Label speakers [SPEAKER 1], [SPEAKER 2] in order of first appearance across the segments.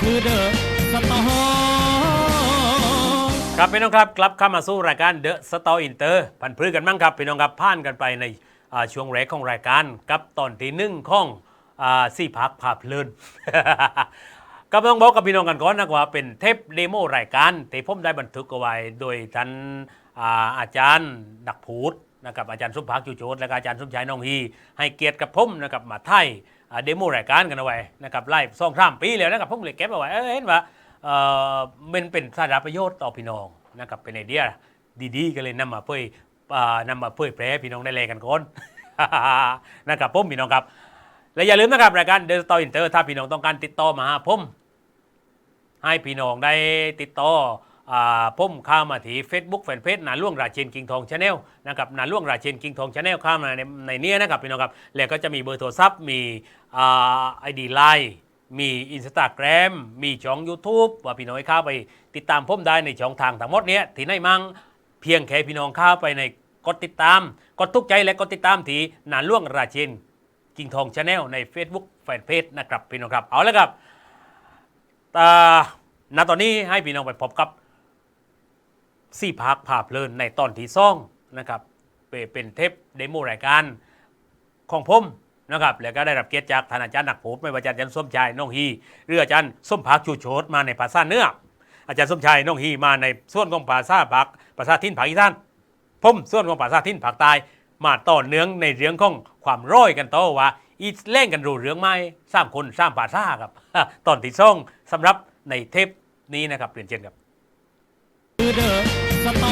[SPEAKER 1] คือเดอะสตอ
[SPEAKER 2] ครับพี่น้องครับกลับเข้ามาสู้รายการ The Store Inter พันพื้กันบ้างครับพี่น้องครับผ่านกันไปในช่วงแรกของรายการกับตอนที่หนึ่งของสี่พักภาพเพลิน ก็ต้องบอกกับพี่น้องกันก่อนนะว่าเป็นเทปเดโมรายการที่ผมได้บันทึกเอาไว้โดยท่านอาจารย์ดักพูดนะครับอาจารย์สมภักดิ์จูโจทย์และอาจารย์สมชายน้องฮีให้เกียรติกับผมนะครับมาไทยเดโมรายการกันเอาไว้นะครับไล่2-3 ปีแล้วนะครับผมเลยเก็บเอาไว้เห็นว่ามันเป็นสาระประโยชน์ต่อพี่น้องนะครับเป็นไอเดียดีๆก็เลยนำมาเผยแพร่พี่น้องได้เลยกันก่อน นะครับผมพี่น้องครับและอย่าลืมนะครับรายการ The Store Inter ถ้าพี่น้องต้องการติดต่อมาหาผมให้พี่น้องได้ติดต่อผมเข้ามาที่ Facebook แฟนเพจนาล่วงราเชนกิงทองชาแนลนะครับนาล่วงราเชนกิงทองชาแนลเข้ามาในนี้นะครับพี่น้องครับแล้วก็จะมีเบอร์โทรศัพท์มีID LineมีInstagram มีช่อง YouTube ว่าพี่น้องเข้าไปติดตามผมได้ในช่องทางทั้งหมดนี้ที่ไหนมั่งเพียงแค่พี่น้องเข้าไปในกดติดตามกดทุกใจและกดติดตามที่นาล่วงราเชนกิงทองชาแนลใน Facebook แฟนเพจนะครับพี่น้องครับเอาละครับณตอนนี้ให้พี่น้องไปพบกับสี่พักภาพเพลินในตอนที่2นะครับเป็นเทปเดโมรายการของผมนะครับแล้วก็ได้รับเกียรติจากท่านอาจารย์นักพูดไม่ว่าอาจารย์ส้มชายน้องฮีหรืออาจารย์ส้มพักชูโชตมาในภาษาเหนืออาจารย์ส้มชายน้องฮีมาในส่วนของภาษาทิ้นภาคอีสานผมส่วนของภาษาทิ้นภาคใต้มาต่อเนื่องในเรื่องของความร้อยกันต่อว่าอีเล่นกันรู้เรื่องไหม3 คน3 ภาษาครับ ตอนที่2สำหรับในเทปนี้นะครับเรียนเชิญครับ
[SPEAKER 1] คือเดอะสตอ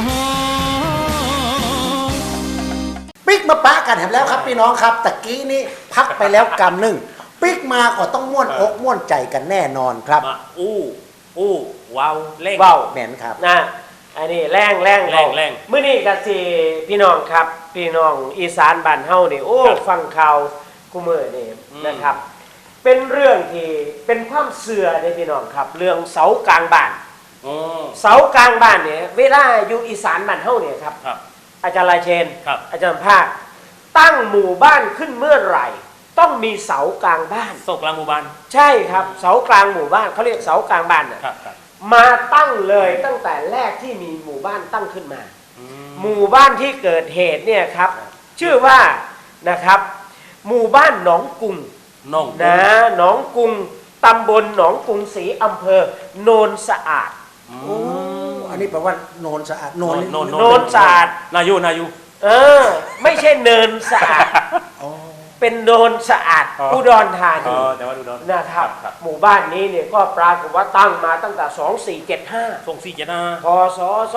[SPEAKER 3] ปิ๊กมาปะกันแถมแล้วครับพี่น้องครับตะกี้นี้พักไปแล้วกำหนึ่งปิ๊กมาก็ต้องม่วนอกม่วนใจกันแน่นอนครับ
[SPEAKER 2] มาว้าวเล่ง
[SPEAKER 3] ว้าวแม่นครับ
[SPEAKER 4] นะอันนี้แรงมื้อนี้ก็สิพี่น้องครับพี่น้องอีสานบ้านเฮานี่โอ้ฟังข่าวกูมื้อนี่นะครับเป็นเรื่องที่เป็นความเชื่อเด้พี่น้องครับเรื่องเสากลางบ้านเสากลางบ้านเนี่ยเวลาอยู่อีสานบ้านเฮาเนี่ยครับอาจารย์ลายเชนอาจารย์ภาคตั้งหมู่บ้านขึ้นเมื่อไหร่ต้องมีเสากลางบ้าน
[SPEAKER 2] เสากลางหมู่บ้าน
[SPEAKER 4] ใช่ครับเสากลางหมู่บ้านเขาเรียกเสากลางบ้านนะมาตั้งเลยตั้งแต่แรกที่มีหมู่บ้านตั้งขึ้นมาหมู่บ้านที่เกิดเหตุเนี่ยครับชื่อว่านะครับหมู่บ้านหนองกุงนะหนองกุงตำบลหนองกรุงศรีอำเภอโนนสะอาด
[SPEAKER 3] อันนี้แปลว่าโนนสะอาดโน
[SPEAKER 4] นสะอาด
[SPEAKER 2] นายู
[SPEAKER 4] ไม่ใช่เนินสะอาดเป็นโนนสะอาดอุดรธานีนะครับหมู่บ้านนี้เนี่ยก็ปรากฏว่าตั้งมาตั้งแต่2475พศ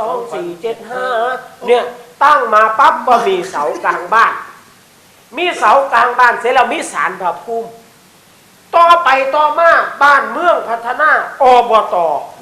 [SPEAKER 4] 2475เนี่ยตั้งมาปั๊บก็มีเสากลางบ้านมีเสากลางบ้านเสร็จแล้วมีศาลพระภูมิต่อไปต่อมาบ้านเมืองพัฒนาอบต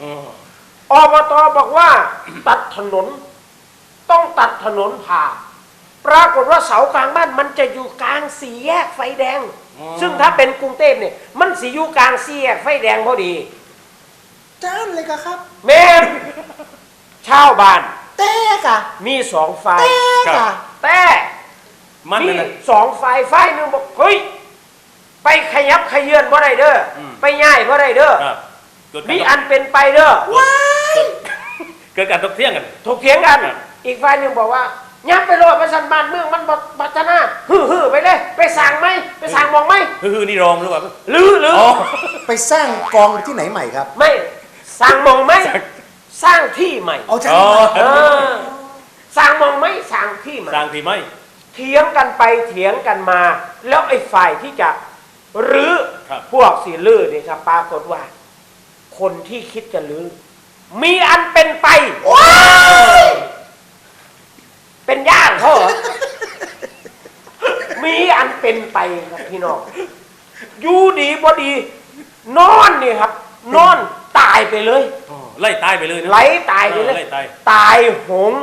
[SPEAKER 4] บอกว่าตัดถนนต้องตัดถนนผ่าปรากฏว่าเสากลางบ้านมันจะอยู่กลางสี่แยกไฟแดงซึ่งถ้าเป็นกรุงเทพเนี่ยมันสิอยู่กลางสี่แยกไฟแดงพอดี
[SPEAKER 3] จ้านเลยครับ
[SPEAKER 4] แม่ชาวบ้าน
[SPEAKER 3] แต่กะ
[SPEAKER 4] มี2ฝ่ายแต่มี2ฝ่ายนึงบอกเฮ้ยไปขยับขยื่นบ่ได้เด้อไปง่ายบ่ได้เด้อมีอันเป็นไปเด้อ
[SPEAKER 3] ว้าย
[SPEAKER 2] เกิดการถกเถียง
[SPEAKER 4] กันอีกฝ่ายนึงบอกว่ายับไปโลดประชันบ้านเมืองมันบัจนาฮือไปเลยไปสั่งไหมไปสั่งมองไหม
[SPEAKER 2] นี่รองหรือเปล่า
[SPEAKER 4] หรือ
[SPEAKER 3] ไปสร้างกองที่ไหนใหม่ครับ
[SPEAKER 4] ไม่สั่งมองไหมสร้างที่ใหม่สั่งมองไหมสั่งที่ใหม่เถียงกันไปเถียงกันมาแล้วไอ้ฝ่ายที่จะรื้อพวกสีลื้อเนี่ยครับปรากฏว่าคนที่คิดจะรื้อมีอันเป็นไปเป็นญาติเขาเหรอมีอันเป็นไปครับพี่น้องอยู่ดีบ่ดีนอนนี่ครับนอนตายไปเลย
[SPEAKER 2] ไล่ตายไปเลย
[SPEAKER 4] ไล่ตายไปเลยตายโหง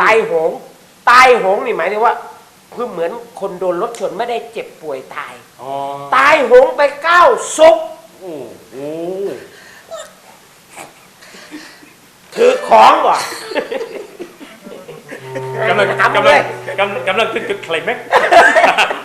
[SPEAKER 4] นี่หมายถึงว่าคือเหมือนคนโดนรถชนไม่ได้เจ็บป่วยตายโหงไป9 ศพถือของก่อน
[SPEAKER 2] กำลังขึ้นจุดไคลแม็กซ์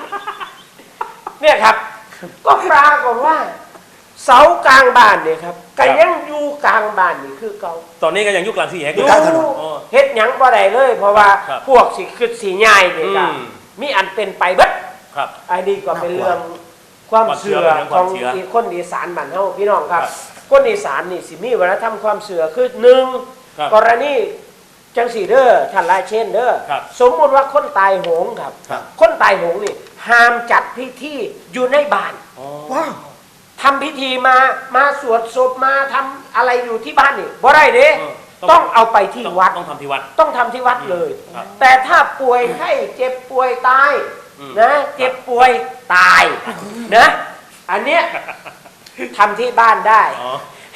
[SPEAKER 4] เนี่ยครับก็ปรากฏว่าเสากลางบ้านเนี่ยครับก็ยังอยู่กลางบ้านนี่คือเก่า
[SPEAKER 2] ตอนนี้ก็ยังยุคกลางสี่แยก
[SPEAKER 3] อยู่กลางถนน
[SPEAKER 2] อ๋อ
[SPEAKER 4] เฮ็ดหยังบ่ได้เลย เพราะว่า
[SPEAKER 2] ครับ
[SPEAKER 4] พวกสิคือสีใหญ่นี่ก็
[SPEAKER 2] อืม
[SPEAKER 4] มีอันเป็นไปเบิด
[SPEAKER 2] ครับ
[SPEAKER 4] อันนี้ก็เป็นเรื่องความเชื่อ
[SPEAKER 2] ความเชื่อ
[SPEAKER 4] ของ
[SPEAKER 2] เป็นเรื่องความเชื่อ
[SPEAKER 4] คนอีสานบ้านเฮาพี่น้องครับ
[SPEAKER 2] ครับ
[SPEAKER 4] คนอีสานนี่สิมีวัฒนธรรมความเชื่อคือหนึ่ง
[SPEAKER 2] ครับ
[SPEAKER 4] กรณีจังสีเด้อท่านลายเช่นเด้อ
[SPEAKER 2] ครับ
[SPEAKER 4] สมมุติว่าคนตายโหงครับ
[SPEAKER 2] ครับ
[SPEAKER 4] คนตายโหงนี่ห้ามจัดพิธีอยู่ในบ้าน
[SPEAKER 2] อ๋อ
[SPEAKER 3] ว้าว
[SPEAKER 4] ทำพิธีมาสวดศพมาทำอะไรอยู่ที่บ้านนี่บ่ได้เด้
[SPEAKER 2] ต้
[SPEAKER 4] ต้
[SPEAKER 2] อ
[SPEAKER 4] อง งเอาไปที่วัด
[SPEAKER 2] ต้องทำที่วัด
[SPEAKER 4] ต้องทำที่วัดเลย
[SPEAKER 2] ครับ
[SPEAKER 4] แต่ถ้าป่วยไข้เจ็บป่วยตาย
[SPEAKER 2] อืม
[SPEAKER 4] นะเจ็บป่วยตายนะอันเนี้ยทำที่บ้านได้
[SPEAKER 2] อ๋อ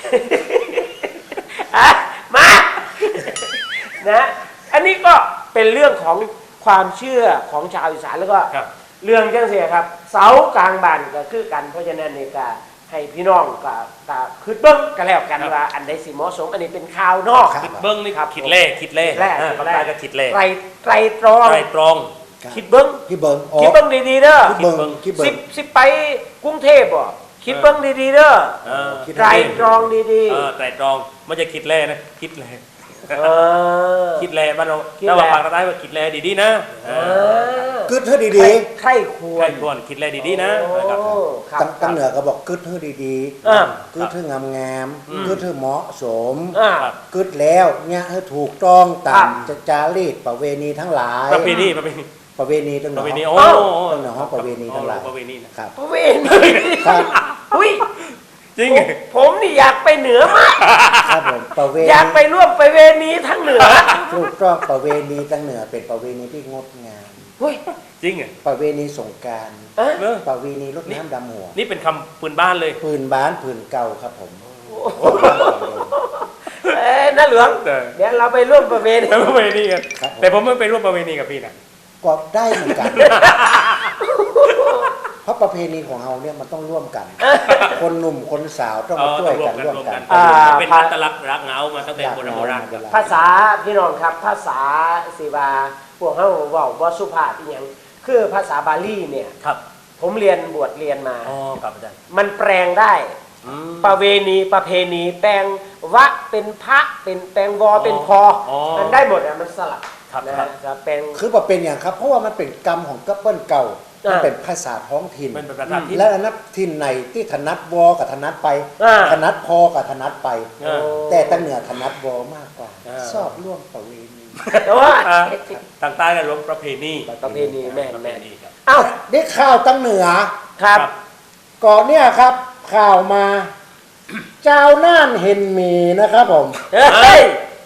[SPEAKER 4] อ่ะมานะอันนี้ก็เป็นเรื่องของความเชื่อของชาวอีสานแล้วก็
[SPEAKER 2] ครับ
[SPEAKER 4] เรื่องจังเสียครับ เสากลางบ้านก็คือกันเพราะฉะนั้นนี่ก็ให้พี่น้องก็คือเบิ้งกันแล้วกัน
[SPEAKER 2] ครับ
[SPEAKER 4] ว่าอันใดสิเหมาะสมอันนี้เป็นข่าวนอก
[SPEAKER 3] ครับ
[SPEAKER 2] เบิ้งนี่
[SPEAKER 4] ครับ
[SPEAKER 2] คิดเล่คิดเล่
[SPEAKER 4] แรก
[SPEAKER 2] ภาคใต้ก็คิดเล่
[SPEAKER 4] ไตรตรอง
[SPEAKER 2] ไตรตรอง
[SPEAKER 4] คิดเบิ้ง
[SPEAKER 3] พี่เบิงอ๋อ
[SPEAKER 4] คิดเบิ้งดีๆเด้อ
[SPEAKER 3] พี่เบิงพี่เบิ
[SPEAKER 4] สิ
[SPEAKER 3] ง
[SPEAKER 4] สิไปกรุงเทพบ่คิดเบิ้งดีๆเด้อ
[SPEAKER 2] เออ
[SPEAKER 3] คิด
[SPEAKER 4] ไตรตรองดี
[SPEAKER 2] ไตรตรองไม่ใช่คิดเล่นะคิดเล่
[SPEAKER 4] ๆเออ
[SPEAKER 2] คิดเล่บ้านเรา
[SPEAKER 4] คิด
[SPEAKER 2] ถ้า
[SPEAKER 4] แล่
[SPEAKER 2] ว่าภาคใต้ว่าคิดเล่ดีๆนะ
[SPEAKER 4] เออ
[SPEAKER 3] กึดเธอดี
[SPEAKER 4] ใครคว
[SPEAKER 2] ใคร
[SPEAKER 4] ร
[SPEAKER 2] ควรคิดเล่ดีๆนะนะครับ
[SPEAKER 4] โอ้ค
[SPEAKER 3] ๆ
[SPEAKER 4] รับ
[SPEAKER 3] ตั้งเหนือก็บอกกึดเธอดี
[SPEAKER 4] อ่า
[SPEAKER 3] ๆกึดเธองามๆกึดเธอเหมาะสม
[SPEAKER 4] อ่า
[SPEAKER 2] ครับ
[SPEAKER 3] กึดแล้วเนี่ยให้ถูกต้องตา
[SPEAKER 4] ครั
[SPEAKER 3] ม
[SPEAKER 4] บ
[SPEAKER 3] จารีตประเวณีทั้งหลาย
[SPEAKER 2] ประเพณี
[SPEAKER 3] ประเวณีตั้งห
[SPEAKER 2] ป
[SPEAKER 3] นอ
[SPEAKER 2] ระเพณี
[SPEAKER 3] ตั้
[SPEAKER 2] โอ้
[SPEAKER 3] งหนอประเวณีทั้งหลาย
[SPEAKER 2] ประเพณีนะครับ
[SPEAKER 4] พระเวณี
[SPEAKER 3] ครับ
[SPEAKER 4] อุ้ย
[SPEAKER 2] จริง
[SPEAKER 4] ผมนี่อยากไปเหนือมาก
[SPEAKER 3] ครับผมประเว
[SPEAKER 4] อยาก
[SPEAKER 3] ณี
[SPEAKER 4] ไปร่วมไปเวณีทั้งเหนือ
[SPEAKER 3] ถูกต้องประเวณีตั้งเหนือเป็นประเวณีที่งดงาม
[SPEAKER 4] เฮ้ย
[SPEAKER 2] จริงอ่ะ
[SPEAKER 3] ประเวณีสงกราร
[SPEAKER 4] เอ๊ะ
[SPEAKER 2] เออ
[SPEAKER 3] ประเวณีรดน้ำดำหัว
[SPEAKER 2] นี่เป็นคำปืนบ้านเลย
[SPEAKER 3] ปืนบ้านปืนเก่าครับผม
[SPEAKER 4] น้าเหลือง
[SPEAKER 2] แต่
[SPEAKER 4] เดี๋ยวเราไปร่วมประเวณี
[SPEAKER 2] ประเพณีกัน
[SPEAKER 3] ครับผม
[SPEAKER 2] แต่ผมไม่ไปร่วมประเพณีกับพี่นะ
[SPEAKER 3] ก็ได้เหมือนกัน เพราะประเพณีของเราเนี่ยมันต้องร่วมกัน คนหนุ่มคนสาวต้องมาช่วยกันร่วมกัน
[SPEAKER 2] เป็นอัตลักษณ์รักเหงามาตั้งแต่โบราณครับ
[SPEAKER 4] ภาษาพี่น้องครับ ภาษาสิวาพวกเขาเว่าว่าสุภาพอีหยังคือภาษาบาลีเนี่ย
[SPEAKER 2] ครับ
[SPEAKER 4] ผมเรียนบวชเรียนมา
[SPEAKER 2] อ๋อครับอาจารย์
[SPEAKER 4] มันแปลงได้
[SPEAKER 2] อืม
[SPEAKER 4] ประเวณีประเพณีแปลงวะเป็นพระเป็นแปลงวอเป็นพอ
[SPEAKER 2] อ๋อ
[SPEAKER 4] มันได้หมดอ่ะมันสลับ
[SPEAKER 2] ครับ
[SPEAKER 4] นะครับ จะเป็น
[SPEAKER 3] คือว่าเป็นอย่างครับ เพราะว่ามันเป็นกรรมของกัปเปิลเก่า มันเป็นภาษาท้องถิ่น
[SPEAKER 2] เป็นประธานที่
[SPEAKER 3] และนับถิ่นไหนที่ถนัดวอกับถนัดไป
[SPEAKER 4] อ่า
[SPEAKER 3] ถนัดพอกับถนัดไป
[SPEAKER 2] เออ
[SPEAKER 3] แต่ตั้งเหนือถนัดวอมากกว่า
[SPEAKER 2] อ่า
[SPEAKER 3] ชอบร่วมประเวณี
[SPEAKER 4] แต่ว่า
[SPEAKER 2] ทางใต้กันรวมประเพณี
[SPEAKER 4] ประเพณีแม่น
[SPEAKER 2] ประเพ
[SPEAKER 4] แม่น
[SPEAKER 2] ณีครับ
[SPEAKER 4] เอ้า
[SPEAKER 3] ได้ข่าวตั้งเหนือ
[SPEAKER 4] ครับ
[SPEAKER 3] ก่อนเนี่ยครับ ข่าวมา เจ้าน่านเห็นหมีนะครับผม
[SPEAKER 4] เฮ้ย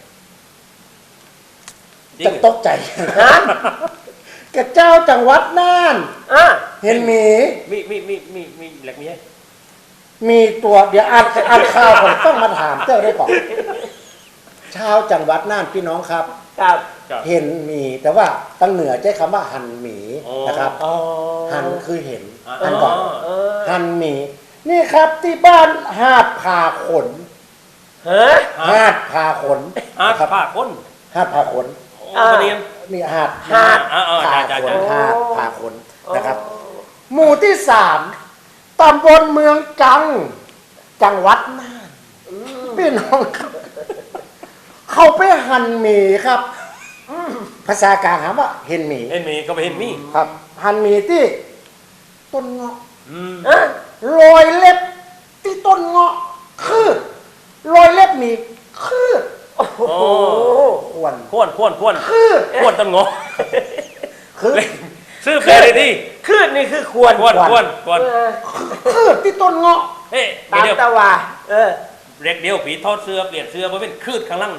[SPEAKER 2] จริง
[SPEAKER 3] จะตกใจ
[SPEAKER 4] ฮะ
[SPEAKER 3] กับเจ้าจังหวัดน่าน
[SPEAKER 4] อ่ะ
[SPEAKER 3] เห็นหมี
[SPEAKER 2] มีแหลกมีให้
[SPEAKER 3] มีตัวเดี๋ยวอ่านข่าวผมต้องมาถามเจ้าได้ก่อนชาวจังหวัดน่านพี่น้องครับ
[SPEAKER 4] ครับ
[SPEAKER 2] ครับ
[SPEAKER 3] เห็นหมีแต่ว่าตั้งเหนือใช้คำว่าหันหมี
[SPEAKER 2] อ๋อ
[SPEAKER 3] นะครับ
[SPEAKER 4] อ๋อ
[SPEAKER 3] หันคือเห็น
[SPEAKER 2] อ๋อ
[SPEAKER 3] หันก่อน
[SPEAKER 4] เออ
[SPEAKER 3] หันหมี นี่ครับที่บ้านหาดผาขน
[SPEAKER 4] เฮ้ย
[SPEAKER 3] หาดผาขน
[SPEAKER 2] อาร์ต
[SPEAKER 3] นะครับ
[SPEAKER 2] ผ้าก้น
[SPEAKER 3] หาดผาขน
[SPEAKER 2] โอ้ประเด็น
[SPEAKER 3] นี่หาด
[SPEAKER 4] หาด
[SPEAKER 3] ผา
[SPEAKER 2] จ้า
[SPEAKER 3] ขน
[SPEAKER 2] จ้า
[SPEAKER 3] หาดผาขนนะครับ หมู่ที่3ตำบลเมืองจัง จังหวัดน่านพี่น้องครับ เขาไปหั่นหมีครับภาษากลางถามว่าเห็นหมี
[SPEAKER 2] เห็นมีก็ไปเห็นมี
[SPEAKER 3] ครับ หั่นหมีที่ต้นเงาะ
[SPEAKER 2] อืม
[SPEAKER 4] อ่ะ
[SPEAKER 3] รอยเล็บที่ต้นเงาะคืดรอยเล็บหมีคืด
[SPEAKER 4] โอ้โห
[SPEAKER 3] ควร
[SPEAKER 2] ข้วนข้วน
[SPEAKER 3] คืด
[SPEAKER 2] ข้วนต้นงอ
[SPEAKER 3] คืด
[SPEAKER 2] ซื้อเพลเลยดิ
[SPEAKER 4] ขึ้นนี่คือควร
[SPEAKER 2] ข้วน
[SPEAKER 3] ข้วน
[SPEAKER 2] ข้วน
[SPEAKER 4] เออ
[SPEAKER 3] คืดที่ต้นเงาะ
[SPEAKER 2] เฮ้ย
[SPEAKER 4] ตาม
[SPEAKER 2] เดี๋ยว
[SPEAKER 4] ตะวาเออ
[SPEAKER 2] เร็กเดียวผีทอดเสื้อเปลี่ยนเสื้อมาเป็นคืดข้างล่าง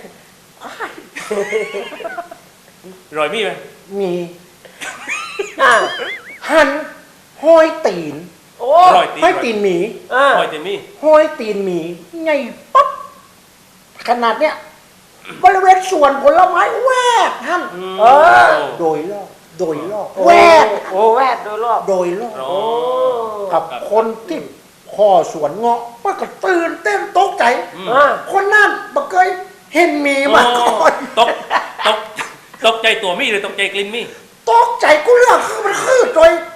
[SPEAKER 2] รอยมีไหม
[SPEAKER 3] มี
[SPEAKER 4] อ่ะ
[SPEAKER 3] หั่นห้อยตีน
[SPEAKER 4] โอ้
[SPEAKER 2] รอยตี
[SPEAKER 3] ห้อยตีนหมี
[SPEAKER 4] อ่ะ
[SPEAKER 2] รอยเต็มมี
[SPEAKER 3] ห้อยตีนหมีไงปั๊บขนาดเนี้ยบริเวณสวนผลไม้แวกท่าน
[SPEAKER 4] เออ
[SPEAKER 3] โดยรอบโดยรอบ
[SPEAKER 4] โอ้
[SPEAKER 3] แวก
[SPEAKER 4] โอ้แวดโดยรอบ
[SPEAKER 3] โดยรอบ
[SPEAKER 2] โอ้
[SPEAKER 4] โอ้
[SPEAKER 3] กับคนที่พ่อสวนเงาะมันก็ตื่นเต้นตกใจ
[SPEAKER 4] อ่ะ
[SPEAKER 3] คนนั่นบ่เคยเห็นหมีมาก่อน
[SPEAKER 2] ตกใจตัวมีหรือตกใจกลิ่นมี
[SPEAKER 3] ตกใจกูเรื่องคือมันคือโดย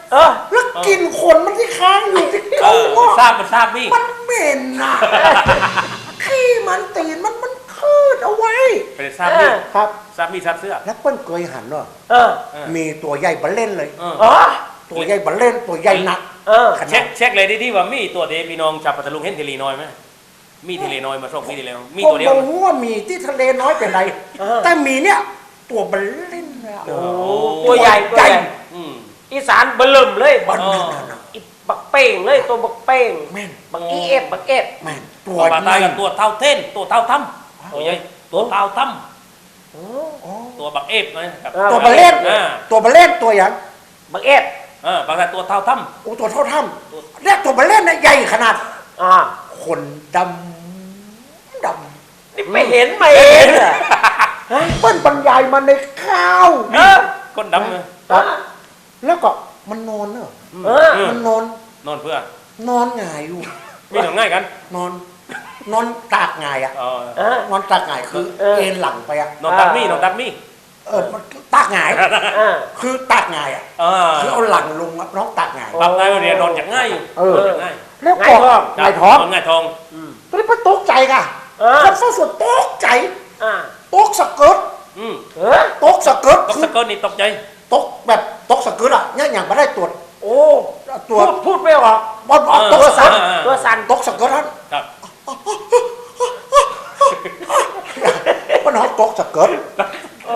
[SPEAKER 3] แล้วกลินขนมันที่ค้างอยู่ที่
[SPEAKER 2] เอ
[SPEAKER 3] เขา
[SPEAKER 2] อทราบมันทราบมี่
[SPEAKER 3] มันเหม็นนะขี้มันตีนมันคืดเอาไว้
[SPEAKER 2] เป็นทราบมี่
[SPEAKER 3] ครับ
[SPEAKER 2] ทราบมี่ทราบเสื้อ
[SPEAKER 3] แล้วเปิ้ลเคยหันเนาะ
[SPEAKER 4] เออ
[SPEAKER 3] มีตัวใหญ่บัลเล่นเลย
[SPEAKER 2] เออ
[SPEAKER 4] อ๋อ
[SPEAKER 3] ตัวใหญ่บัลเล่นตัวใหญ่หนัก
[SPEAKER 4] เออ
[SPEAKER 3] ขนาด
[SPEAKER 2] เช็คเลยที่ว่ามีตัวเดพี่น้องชาวปัตตาลุงเห็นเทเลน้อยไหมมีเทเลน้อยมาส่งมีเทเลน้อยมี
[SPEAKER 3] ผม
[SPEAKER 2] ตัวเดียว
[SPEAKER 3] บอกว่ามีที่ทะเลน้อยเป็นไร แต่มีเนี่ยตัวบัลเล่นเลยอะ
[SPEAKER 2] โอ้
[SPEAKER 4] ตัวใหญ่ตัวใหญ่
[SPEAKER 2] อืม
[SPEAKER 4] อีสานเบิ่มเลย
[SPEAKER 3] บัล
[SPEAKER 2] เอ
[SPEAKER 3] เล่น
[SPEAKER 2] อ
[SPEAKER 3] นะ
[SPEAKER 4] อีบักเป้งเลยตัวบักเป้ง
[SPEAKER 3] แม่น
[SPEAKER 4] บักอีเอฟบักเอฟ
[SPEAKER 3] แม่นตั
[SPEAKER 2] ตัว วปลา
[SPEAKER 3] ให
[SPEAKER 2] ตาย
[SPEAKER 3] ญ่
[SPEAKER 2] กับตัวเท่าเท่นตัวเท่าถ้ำตัวใหญ่ตัวเท่าถ้ำตัวบักเอฟนะครับ
[SPEAKER 3] ตัวบัลเล่น
[SPEAKER 2] อ่า
[SPEAKER 3] ตัวบัลเล่นตัวอย่าง
[SPEAKER 4] บักเอฟ
[SPEAKER 2] บางแต่ตัวเท่าถ้
[SPEAKER 3] โอ้ตัวเท่าถ้ำเรียกตัวบัลเล่นนะใหญ่ขนาด
[SPEAKER 4] อ่า
[SPEAKER 3] คนดำ
[SPEAKER 4] นี่ไม่เห็นมาเองอะ
[SPEAKER 3] เปิ้ลบรรยายมาในข้าว
[SPEAKER 2] ำก้นดำเลย
[SPEAKER 3] ครับแล้วก็มันนอนเนอะ
[SPEAKER 4] เออ
[SPEAKER 3] มันนอน
[SPEAKER 2] นอนเพื่อน
[SPEAKER 3] อนหงายอยู่
[SPEAKER 2] มีหนังง่ายกัน
[SPEAKER 3] นอนตากหงายอ่ะ
[SPEAKER 2] อ๋อ
[SPEAKER 4] เออน
[SPEAKER 3] อนตากหงายคือเอ็นหลังไปอ่ะ
[SPEAKER 2] นอนตักมี่นอนตักมี่
[SPEAKER 3] มันตากหงาย
[SPEAKER 4] อ่า
[SPEAKER 3] คือตากหงายอ่ะ
[SPEAKER 2] อ่า
[SPEAKER 3] คือเอาหลังลงอะน้องตากหงาย
[SPEAKER 2] บางนายเรียนนอนอย่างง่ายอยู่
[SPEAKER 3] เออ
[SPEAKER 2] นอนอย่างง่าย
[SPEAKER 3] แล้วก็หงายท้อง
[SPEAKER 2] นอนง่ายท้อง
[SPEAKER 3] ตอนนี้ป้าตกใจก่ะ
[SPEAKER 4] เออ
[SPEAKER 3] คนฟ้าสวดตกใจ
[SPEAKER 4] อ่า
[SPEAKER 3] ตกสะเกิด
[SPEAKER 2] อืม
[SPEAKER 4] เออ
[SPEAKER 3] ตกสะเกิด
[SPEAKER 2] ตกสะเกินนี่ตกใจ
[SPEAKER 3] ตกแบบตกสะเกิดอ่ะเนี่ยอย่างไม่ได้ตรวจ
[SPEAKER 4] โอ้
[SPEAKER 3] ตรวจ
[SPEAKER 4] พูดไม่ออก
[SPEAKER 3] บอลตกสะเกิด
[SPEAKER 4] ตัวสั่น
[SPEAKER 3] ตกสะเกิดท่าน
[SPEAKER 2] ครับ
[SPEAKER 3] ป้าน้องตกสะเกิด
[SPEAKER 4] โอ้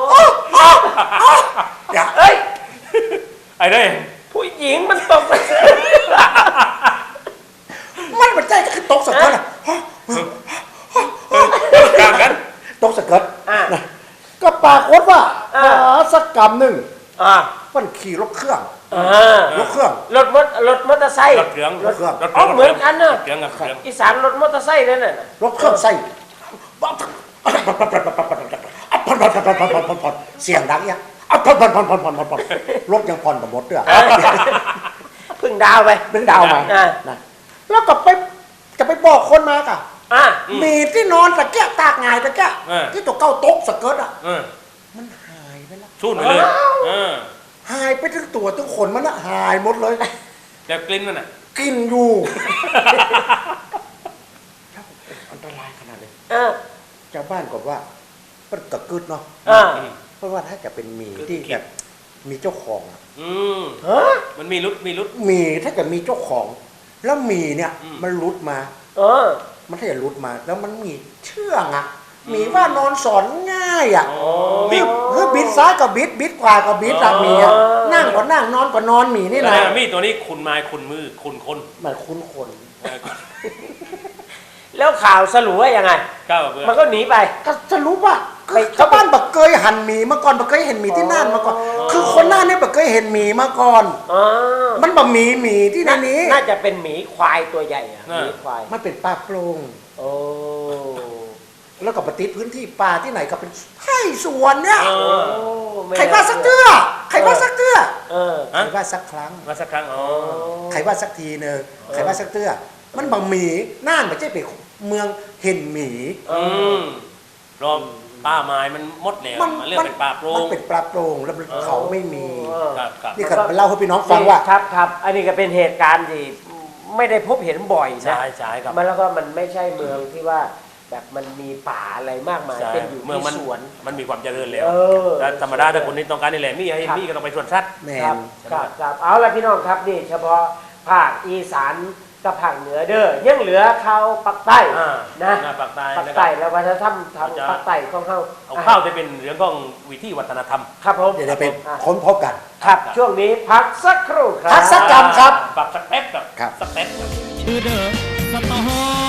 [SPEAKER 3] อย่า
[SPEAKER 4] เอ้ย
[SPEAKER 2] ไอ้เด้ย
[SPEAKER 4] ผู้หญิงมันตกไป
[SPEAKER 3] มันเป็นใจก็คือตกสะเกิดอ่ะ
[SPEAKER 2] กลางกัน
[SPEAKER 3] ตกสะเกิด
[SPEAKER 4] อ่า
[SPEAKER 3] นะก็ปรากฏว่าหาสักกรรมหนึ่ง
[SPEAKER 4] อ่า
[SPEAKER 3] มันขี่รถเครื่อง
[SPEAKER 4] อ่าร
[SPEAKER 3] ถเครื่อง
[SPEAKER 4] รถมอเตอร์ไซค์
[SPEAKER 2] รถเครื่อง
[SPEAKER 3] รถเครื่อง
[SPEAKER 4] อ๋อเหมือนกันเนอะ
[SPEAKER 2] เครื่องกับเครื่อง
[SPEAKER 4] อีสานรถมอเตอร์ไซค์นั่นน่ะ
[SPEAKER 3] รถเครื่องใส่เสียงดังเนี่ยรถยังผ่อนกับรถด้วย
[SPEAKER 4] เพึ่งดาวไป
[SPEAKER 3] เป็นดาวมา
[SPEAKER 4] อ่า
[SPEAKER 3] นะแล้วก็ไปจะไปบอกคนมาก่ะ
[SPEAKER 4] อ่า
[SPEAKER 3] มีที่นอนตะแกะตากงายตะแกะที่ตัวเก้าตกสะเกิดอ่ะ
[SPEAKER 2] เออ
[SPEAKER 3] มันหายไปแล้ว
[SPEAKER 2] ชูนไปเลยเออ
[SPEAKER 3] หายไปทั้งตัวทั้งขนมันอะหายหมดเลย
[SPEAKER 2] เดี๋ยวกลิ่นมันอ่ะ
[SPEAKER 3] กินอยู่อันตรายขนาดเลย
[SPEAKER 4] เออ
[SPEAKER 3] ชาวบ้านก็ว่ามันกระกึดเนาะ
[SPEAKER 4] อ่า
[SPEAKER 3] เพราะว่าถ้าจะเป็นหมีที่แบบมีเจ้าของอะ
[SPEAKER 2] อืม
[SPEAKER 4] ฮะ
[SPEAKER 2] มันมีรุด
[SPEAKER 3] หมีถ้าเกิดมีเจ้าของ แล้วหมีเนี่ย มันรุดมา
[SPEAKER 4] เออ
[SPEAKER 3] มันถ้าจะรุดมา แล้วมันมีเชื่องอะหมีว่านอนสอนง่ายอะ
[SPEAKER 2] อ๋อ
[SPEAKER 3] มีบิดซ้ายก็บิดขวาก็บิดอะหมีอะนั่งก็นั่งนอนก็นอนหมีนี่นะ
[SPEAKER 2] มีตัวนี้คุณไม้คุณมือคุณคน
[SPEAKER 3] มันคุ้นคน
[SPEAKER 4] แล้วข่าวสรุปว่ายังไง
[SPEAKER 2] ก้าวเพื่อ
[SPEAKER 4] มันก็หนีไป
[SPEAKER 3] ก็จะรู้ว่า
[SPEAKER 4] ไม่
[SPEAKER 3] ชาวบ้านบักเคยหันหมีมาก่อนบักเคยเห็นหมีที่น่านมาก่อน คือคนน่านเนี่ยบักเคยเห็นหมีมาก่อน
[SPEAKER 4] อ๋อ
[SPEAKER 3] มันบะหมีที่ในนี้
[SPEAKER 4] น่าจะเป็นหมีควายตัวใหญ่อะหมีควาย
[SPEAKER 3] มันเป็นป่าโปร่ง
[SPEAKER 4] โอ้
[SPEAKER 3] แล้วก็ปฏิพื้นที่ป่าที่ไหนก็เป็นไร่สวนเนี่ย
[SPEAKER 2] เออ
[SPEAKER 4] ไม่
[SPEAKER 3] ใครว่าสักเตื้อใครว่าสักเตื้อ
[SPEAKER 4] เออ
[SPEAKER 3] ใครว่าสักครั้ง
[SPEAKER 2] มาสักครั้งอ๋อ
[SPEAKER 3] ใครว่าสักทีเนอะใครว่าสักเตื้อมันบะหมีน่านไม่ใช่เป็นเมืองเห็นหมี
[SPEAKER 2] อืมรอบป่าไม้มันหมดแล้วมันเรียกเป็นป่าโปร่
[SPEAKER 3] มัน
[SPEAKER 2] ง
[SPEAKER 3] เป็นป่าโปร่งแล้วมันเขาไม่มี
[SPEAKER 2] ครับครับ
[SPEAKER 3] นี่ก็เล่าให้พี่น้องฟังว่า
[SPEAKER 4] ครับครับ อันนี้ก็เป็นเหตุการณ์ที่ไม่ได้พบเห็นบ่อยนะ
[SPEAKER 2] ใช่ใช่ครับ
[SPEAKER 4] มันแล้วก็มันไม่ใช่เมืองที่ว่าแบบมันมีป่าอะไรมากมาย
[SPEAKER 2] ใช่
[SPEAKER 4] เป็นอยู่
[SPEAKER 2] เมือง
[SPEAKER 4] ที่
[SPEAKER 2] มัน
[SPEAKER 4] สวน
[SPEAKER 2] มันมีความเจริญแล้ว
[SPEAKER 4] เออ
[SPEAKER 2] แต่ธรรมดาถ้าคนนี้ต้องการนี่แหละมีให้
[SPEAKER 4] ครับ
[SPEAKER 2] มีก็ต้องไปสวนสัตว์
[SPEAKER 3] แม
[SPEAKER 4] ครับ
[SPEAKER 3] น
[SPEAKER 4] ครับครับเอาละพี่น้องครับนี่เฉพาะภาคอีสานกับภาคเหนือเด้อยังเหลือเขาภาคใต้
[SPEAKER 2] อ่า
[SPEAKER 4] นะ
[SPEAKER 2] ภาคใต้
[SPEAKER 4] ภาค
[SPEAKER 2] นะค
[SPEAKER 4] ใต้
[SPEAKER 2] รับ
[SPEAKER 4] แล้ววัฒนธรรมทาง
[SPEAKER 2] เราจะ
[SPEAKER 4] ภาคใต้ของเขา
[SPEAKER 2] เอาข้าวจะเป็นเรื่องของวิธีวัฒนธรรม
[SPEAKER 4] ครับผม
[SPEAKER 3] เดี๋ยวเราไป
[SPEAKER 4] อ่ะ
[SPEAKER 3] ค้นพบกัน
[SPEAKER 4] ครับช่วงนี้พักสักครู่ครับ
[SPEAKER 3] พักสัก กรรมครับ
[SPEAKER 2] ปรับสักแป๊บ
[SPEAKER 3] ครับ
[SPEAKER 2] สักแป๊บครับ
[SPEAKER 1] ชื่อเดอะสตอ